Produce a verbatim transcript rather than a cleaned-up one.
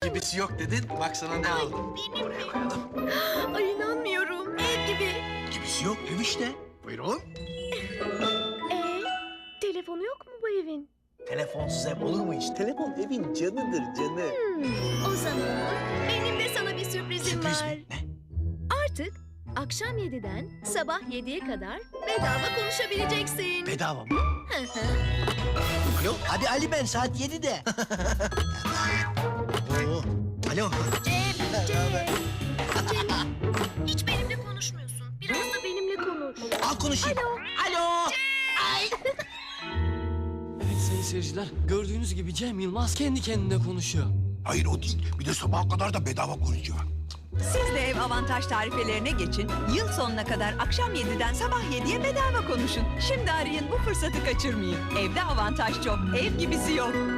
Gibisi yok dedin. Bak sana ne aldım. Benim mi? Koyalım. Ay inanmıyorum. Ev gibi. Gibisi yok ev işte. Buyurun. Ee, telefonu yok mu bu evin? Telefonsuz ev olur mu hiç? Telefon evin canıdır canı. Hmm, o zaman benim de sana bir sürprizim Sürpriz var. mi? Ne? Artık akşam yediden sabah yediye kadar bedava konuşabileceksin. Bedava mı? Hı hı. Alo. Hadi Ali ben saat yedide. Oo. Alo. Cem, Cem. Cem, hiç benimle konuşmuyorsun. Biraz da benimle konuş. Al konuşayım. Alo. Alo. Evet sayın seyirciler, gördüğünüz gibi Cem Yılmaz kendi kendine konuşuyor. Hayır o değil. Bir de sabaha kadar da bedava konuşuyor. Siz de ev avantaj tarifelerine geçin. Yıl sonuna kadar akşam yediden sabah yediye bedava konuşun. Şimdi arayın, bu fırsatı kaçırmayın. Evde avantaj çok, ev gibisi yok.